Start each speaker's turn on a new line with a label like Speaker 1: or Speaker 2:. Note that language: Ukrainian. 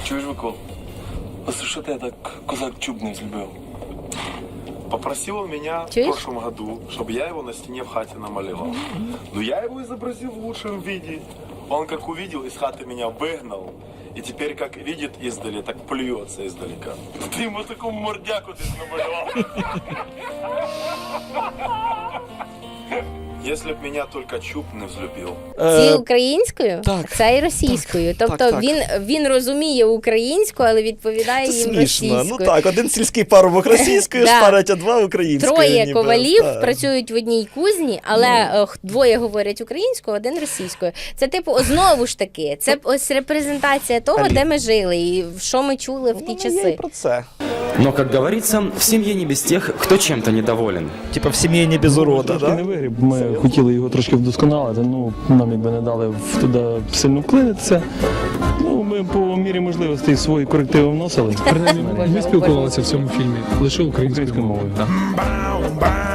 Speaker 1: Чуєш, Микол? А за що ти так козак чуб не взлюбив?
Speaker 2: Попросил он меня
Speaker 3: Чуешь?
Speaker 2: в прошлом году, чтобы я его на стене в хате намалевал. Но я его изобразил в лучшем виде. Он как увидел, из хаты меня выгнал. И теперь как видит издали, так плюется издалека. Ты ему такую мордяку ты намалевал. Если б меня только чуб не взлюбил.
Speaker 3: Ці українською,
Speaker 4: так,
Speaker 3: це і російською. Тобто
Speaker 4: так.
Speaker 3: він розуміє українську, але відповідає
Speaker 4: Це
Speaker 3: їм
Speaker 4: смішно.
Speaker 3: російською.
Speaker 4: Ну так, один сільський парубок російською
Speaker 3: Да.
Speaker 4: шпарить, а два українською.
Speaker 3: Троє
Speaker 4: ніби,
Speaker 3: ковалів
Speaker 4: так.
Speaker 3: працюють в одній кузні, але двоє говорять українською, один російською. Це типу, знову ж таки, це ось репрезентація того,
Speaker 4: Алі.
Speaker 3: де ми жили і що ми чули в ті
Speaker 4: Ну, я і
Speaker 3: часи.
Speaker 4: про це.
Speaker 5: Но, как говорится, в семье не без тех, кто чем-то недоволен.
Speaker 4: Типа в сім'ї не без урода,
Speaker 6: Трошки не
Speaker 4: так?
Speaker 6: вигріб. Ми хотіли його трошки вдосконалити, ну нам якби не дали туди сильно вклинитися. Ну, ми по мірі можливостей свої корективи вносили.
Speaker 7: Принаймні, ми спілкувалися в цьому фільмі лише українською мовою.
Speaker 6: Так.